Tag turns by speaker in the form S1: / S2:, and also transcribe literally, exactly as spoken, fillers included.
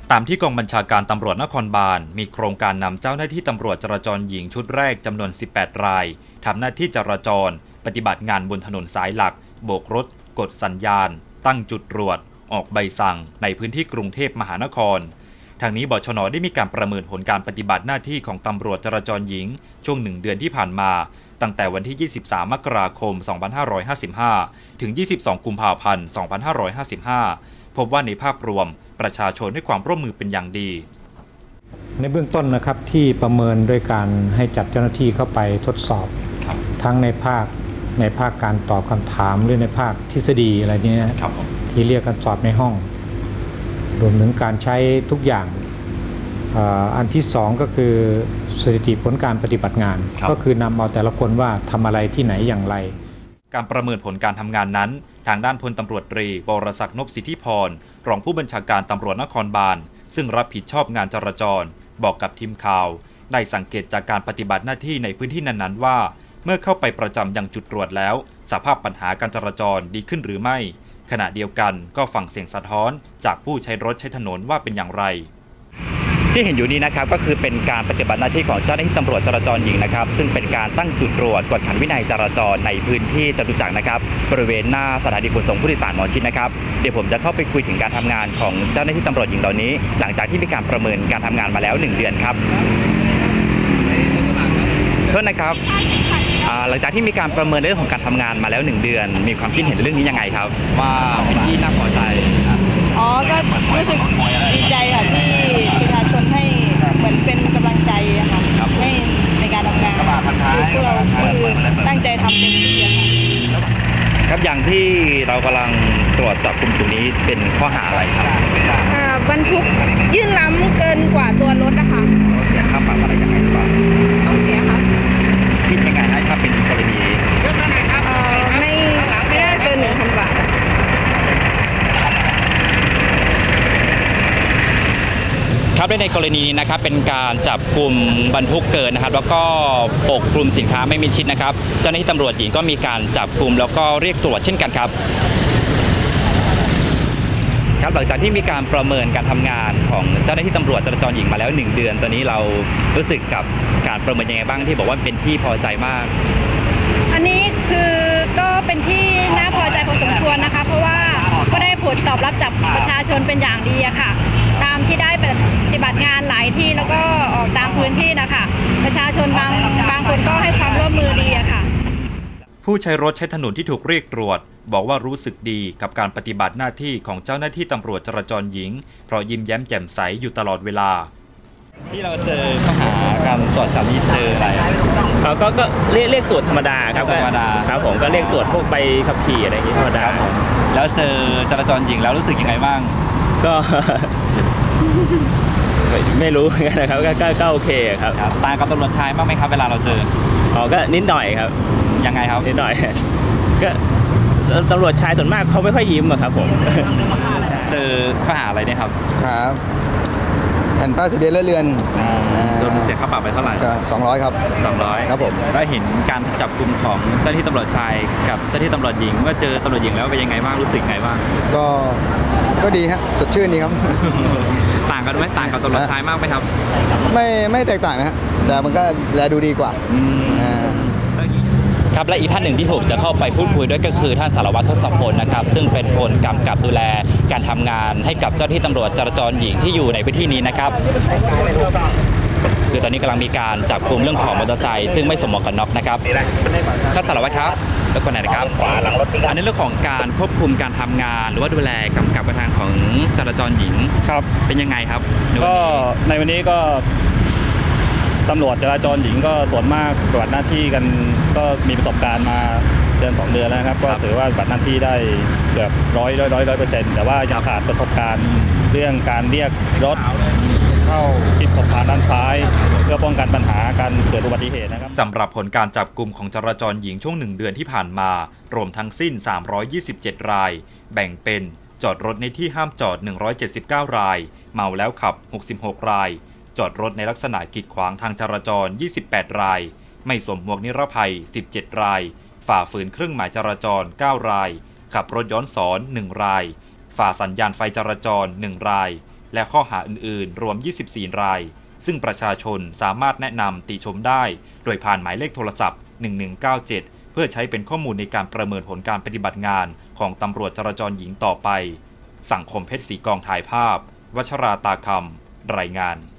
S1: ตามที่กองบัญชาการตำรวจนครบาลมีโครงการนำเจ้าหน้าที่ตำรวจจราจรหญิงชุดแรกจำนวนสิบแปดรายทำหน้าที่จราจรปฏิบัติงานบนถนนสายหลักโบกรถกดสัญญาณตั้งจุดตรวจออกใบสั่งในพื้นที่กรุงเทพมหานครทางนี้บชน.ได้มีการประเมินผลการปฏิบัติหน้าที่ของตำรวจจราจรหญิงช่วงหนึ่งเดือนที่ผ่านมาตั้งแต่วันที่ยี่สิบสามมกราคมสองพันห้าร้อยห้าสิบห้าถึงยี่สิบสองกุมภาพันธ์สองพันห้าร้อยห้าสิบห้าพบว่าในภาพรวมประชาชนให้ความร่วมมือเป็นอย่างดี
S2: ในเบื้องต้นนะครับที่ประเมินด้วยการให้จัดเจ้าหน้าที่เข้าไปทดสอบทั้งในภาคในภาคการตอบคำถามหรือในภาคทฤษฎีอะไรนี้ที่เรียกกันสอบในห้องรวมถึงการใช้ทุกอย่างอันที่สองก็คือสถิติผลการปฏิบัติงานก็คือนำเอาแต่ละคนว่าทำอะไรที่ไหนอย่างไร
S1: การประเมินผลการทำงานนั้นทางด้านพลตำรวจตรีบรศักดิ์นพสิทธิพรรองผู้บัญชาการตำรวจนครบาลซึ่งรับผิดชอบงานจราจรบอกกับทีมข่าวได้สังเกตจากการปฏิบัติหน้าที่ในพื้นที่นั้นๆว่าเมื่อเข้าไปประจำยังจุดตรวจแล้วสภาพปัญหาการจราจรดีขึ้นหรือไม่ขณะเดียวกันก็ฟังเสียงสะท้อนจากผู้ใช้รถใช้ถนนว่าเป็นอย่างไรที่เห็นอยู่นี้นะครับก็คือเป็นการปฏิบัติหน้าที่ของเจ้าหน้าที่ตำรวจจราจรหญิงนะครับซึ่งเป็นการตั้งจุดตรวจกวดขันวินัยจราจรในพื้นที่จตุจักรนะครับบริเวณหน้าสถานีขนส่งผู้โดยสารหมอชิดนะครับเดี๋ยวผมจะเข้าไปคุยถึงการทำงานของเจ้าหน้าที่ตำรวจหญิงเหล่านี้หลังจากที่มีการประเมินการทำงานมาแล้วหนึ่งเดือนครับโทษนะครับหลังจากที่มีการประเมินเรื่องของการทำงานมาแล้วหนึ่งเดือนมีความคิดเห็นเรื่องนี้ยังไงครับว่าเป็นที่น่าพอใจ
S3: อ๋อก็รู้สึกดีใจค่ะที่ประชาชนให้เหมือนเป็นกำลังใจค่ะให้ในการทำงานคือพวกเราคือตั้งใจทำเต็มที่ค่ะ
S1: ครับอย่างที่เรากำลังตรวจจับกลุ่มตัวนี้เป็นข้อหาอะไรครับ
S3: บรรทุกยื่นล้ำเกินกว่าตัวรถนะคะ
S1: เสียค่าปรับอะไรยังไงหรือเปล่า
S3: ต้องเสียครับ
S1: คิดยังไงถ้าเป็นกรณี
S3: ไม่ไม่ได้เกินหนึ่งพันบาท
S1: ครับในกรณีนี้นะครับเป็นการจับกลุ่มบรรทุกเกินนะครับแล้วก็ปกคลุมสินค้าไม่มิดชิดนะครับเจ้าหน้าที่ตำรวจหญิงก็มีการจับกลุ่มแล้วก็เรียกตรวจเช่นกันครับครับหลังจากที่มีการประเมินการทำงานของเจ้าหน้าที่ตำรวจจราจรหญิงมาแล้วหนึ่งเดือนตอนนี้เรารู้สึกกับการประเมินยังไงบ้างที่บอกว่าเป็นที่พอใจมาก
S3: อันนี้คือก็เป็นที่น่าพอใจพอสมควรนะคะเพราะว่าก็ได้ผลตอบรับจากประชาชนเป็นอย่างดีอะค่ะตามที่ได้ปฏิบัติงานหลายที่แล้วก็ออกตามพื้นที่นะคะประชาชนบางบางคนก็ให้ความร่วมมือดีอะค่ะ
S1: ผู้ใช้รถใช้ถนนที่ถูกเรียกตรวจบอกว่ารู้สึกดีกับการปฏิบัติหน้าที่ของเจ้าหน้าที่ตำรวจจราจรหญิงเพราะยิ้มแย้มแจ่มใสอยู่ตลอดเวลาที่เราเจอข้อหาการตรวจจับนี้เจออะไร
S4: เขาก็ก็เรียกเรียกตรวจธรรมดาครับ
S1: ธรรมดา
S4: ครับผมก็เรียกตรวจพวกใบขับขี่อะไรอย่างนี้ธรรมดา
S1: แล้วเจอจราจรหญิงแล้วรู้สึกยังไงบ้าง
S4: ก็ไม่รู้นะครับก็ก็โอเคครับ
S1: ต่างกับตำรวจชายมากไหมครับเวลาเราเจอ
S4: อ๋อก็นิดหน่อยครับ
S1: ยังไงครับ
S4: นิดหน่อยก็ตำรวจชายส่วนมากเขาไม่ค่อยยิ้มอะครับผม
S1: เจอข้อหาอะไรเนี่ยครับ
S5: ครับแผ่นป้ายทะเบียนเรือน
S1: โดนเสียค่าปรับไปเท่าไหร่
S5: สองร้อยครับ
S1: สองร้อย
S5: ครับผม
S1: แล้วเห็นการจับกลุ่มของเจ้าหน้าที่ตำรวจชายกับเจ้าหน้าที่ตำรวจหญิงว่าเจอตำรวจหญิงแล้วเป็นยังไงบ้างรู้สึกไงบ้าง
S5: ก็ก็ดีฮะสดชื่นดีครับ
S1: ต่างกันไหมต่างกับตำรวจชายมากไหมครับ
S5: ไม่ไม่แตกต่างนะฮะแต่มันก็แลดูดีกว่า
S1: ครับและอีกท่านหนึ่งที่ผมจะเข้าไปพูดคุยด้วยก็คือท่านสารวัตรทศพลนะครับซึ่งเป็นคนกำกับดูแลการทำงานให้กับเจ้าหน้าที่ตำรวจจราจรหญิงที่อยู่ในพื้นที่นี้นะครับคือตอนนี้กำลังมีการจับกลุ่มเรื่องของมอเตอร์ไซค์ซึ่งไม่สวมหมวกกันน็อกนะครับท่านสารวัตรครับแล้วคนไหนนะครับอันนี้เรื่องของการควบคุมการทำงานหรือว่าดูแลกำกับการทางของจราจรหญิง
S6: ครับ
S1: เป็นยังไงครับ
S6: ก็ในวันนี้ก็ตำรวจจราจรหญิงก็ส่วนมากปฏิบัติหน้าที่กันก็มีประสบการณ์มาเดือนสองเดือนแล้วครับก็ถือว่าปฏิบัติหน้าที่ได้เกือบร้อยร้อยร้อยร้อยเปอร์เซ็นต์แต่ว่ายังขาดประสบการณ์เรื่องการเรียกรถเข้าทิศขบผ่านด้านซ้ายเพื่อป้องกันปัญหาการเกิดอุบัติเหตุนะครับ
S1: สำหรับผลการจับกลุ่มของจราจรหญิงช่วงหนึ่งเดือนที่ผ่านมารวมทั้งสิ้นสามร้อยยี่สิบเจ็ดรายแบ่งเป็นจอดรถในที่ห้ามจอดหนึ่งร้อยเจ็ดสิบเก้ารายเมาแล้วขับหกสิบหกรายจอดรถในลักษณะกีดขวางทางจราจรยี่สิบแปดรายไม่สวมหมวกนิรภัยสิบเจ็ดรายฝ่าฝืนเครื่องหมายจราจรเก้ารายขับรถย้อนสอนหนึ่งรายฝ่าสัญญาณไฟจราจรหนึ่งรายและข้อหาอื่นๆรวมยี่สิบสี่รายซึ่งประชาชนสามารถแนะนำติชมได้โดยผ่านหมายเลขโทรศัพท์หนึ่งหนึ่งเก้าเจ็ดเพื่อใช้เป็นข้อมูลในการประเมินผลการปฏิบัติงานของตำรวจจราจรหญิงต่อไปสังคมเพชรศรีกองถ่ายภาพวัชราตาคำรายงาน